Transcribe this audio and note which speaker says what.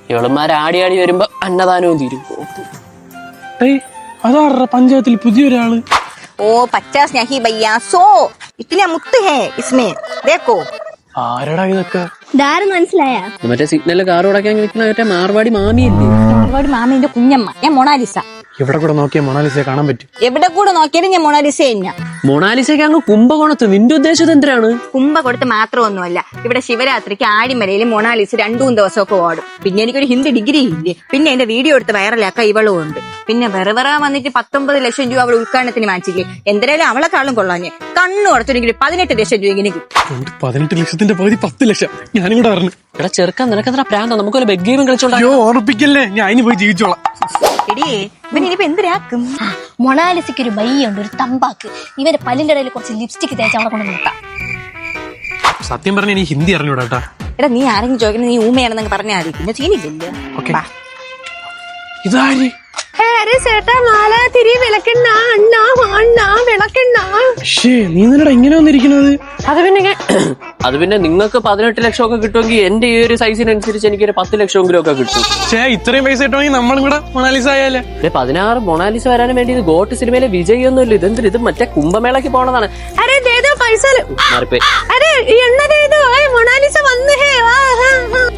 Speaker 1: ഇവളന്മാര് ആടി വരുമ്പോ അന്നദാനവും തീരും.
Speaker 2: അതാ പഞ്ചായത്തിൽ പുതിയൊരാള്.
Speaker 3: ओ 50 नहीं भैया 100 इतने मुक्त है इसमें देखो.
Speaker 2: ആരടാ ഇതൊക്കെ?
Speaker 4: ഇതാരെന്ന് മനസ്സിലായ?
Speaker 1: മറ്റേ സിഗ്നലിൽ കാർ ഓടക്കാൻ നിൽക്കുന്ന മറ്റേ മാർവാടി മാമിയല്ലേ?
Speaker 3: മാർവാടി മാമിന്റെ കുഞ്ഞമ്മ. ഞാൻ മൊണാലിസ.
Speaker 2: ഇവിടെ കൂടെ നോക്കിയാൽ മൊണാലിസയെ കാണാൻ പറ്റും.
Speaker 3: എവിടെ കൂടെ നോക്കിയാലും ഞാൻ മൊണാലിസ തന്നെ.
Speaker 1: മൊണാലിസയ്ക്ക് അങ്ങ് കുംഭകോണത്ത്. നിന്റെ ഉദ്ദേശം എന്തിനാണ്?
Speaker 3: കുംഭ കൊടുത്ത് മാത്രമൊന്നുമല്ല, ഇവിടെ ശിവരാത്രിക്ക് ആടിമലയിൽ മൊണാലിസ 2-3 ദിവസമൊക്കെ ഓടും. പിന്നെ എനിക്കൊരു ഹിന്ദി ഡിഗ്രി ഇല്ലേ, പിന്നെ എന്റെ വീഡിയോ എടുത്ത് വൈറലാക്കാൻ ഇവളും ഉണ്ട്. പിന്നെ വെറുതെ വന്നിട്ട് 19 ലക്ഷം രൂപ അവൾ ഉദ്ഘാടനത്തിന് മാറ്റില്ലേ. എന്തായാലും അവളെക്കാളും കൊള്ളാഞ്ഞ് കണ്ണു ഉടച്ചൊരിക്കലും 18 ലക്ഷം രൂപ ഇങ്ങനെ കിട്ടും.
Speaker 2: 18 ലക്ഷത്തിന്റെ പകുതി 10 ലക്ഷം. ഞാനും കൂടെ പറഞ്ഞു.
Speaker 1: എടാ ചെറുക്കാൻ നിനക്കെന്താ പ്രാന്ത? നമുക്കൊരു ബെഗ് ഗെയിം കളിച്ചോളാം.
Speaker 2: ഓർപ്പിക്കല്ലേ, ഞാൻ ഇനി പോയി ജീവിച്ചോളാം.
Speaker 3: എടിയേ ഇവൻ ഇനിയിപ്പോ എന്തിനാക്കും?
Speaker 4: മൊണാലിസയ്ക്ക് ഒരു ബയ്യുണ്ട്, ഒരു തമ്പാക്ക്. ഇവന്റെ പല്ലിന്റെ ഇടയിൽ കുറച്ച് ലിപ്സ്റ്റിക് തേച്ച് അവളെ കൊണ്ട് നിർത്താം.
Speaker 2: സത്യം പറഞ്ഞ എനിക്ക് ഹിന്ദി അറിഞ്ഞൂടാ.
Speaker 3: എടാ നീ ആരെങ്കിലും ചോദിക്കുന്നത് നീ ഊമയാണെന്നൊക്കെ പറഞ്ഞാൽ മതി, പിന്നെ സീനില്ലല്ലോ.
Speaker 2: ഇതാര്?
Speaker 4: ചേട്ടാ മാല തിരി വിളക്കെണ്ണ അണ്ണ അണ്ണ വിളക്കെണ്ണ.
Speaker 2: നീ നിന്നടാ ഇങ്ങനെ വന്നിരിക്കുന്നത്?
Speaker 1: അത് പിന്നെ നിങ്ങൾക്ക് 18 ലക്ഷം ഒക്കെ കിട്ടുമെങ്കിൽ എന്റെ ഈ ഒരു സൈസിനനുസരിച്ച് എനിക്കൊരു 10 ലക്ഷമെങ്കിലും ഒക്കെ കിട്ടും.
Speaker 2: ഇത്രയും പൈസ കിട്ടുമെങ്കിൽ നമ്മളും കൂടെ മൊണാലിസ ആയാലേ.
Speaker 1: 16 മൊണാലിസ വരാനും വേണ്ടി ഇത് ഗോട്ട് സിനിമയിലെ വിജയൊന്നുമില്ല. ഇതെന്തിന്? ഇത് മറ്റേ കുംഭമേളയ്ക്ക് പോണതാണ്.
Speaker 4: പൈസ
Speaker 1: മാറിപ്പോയി.
Speaker 4: മൊണാലിസ വന്ന്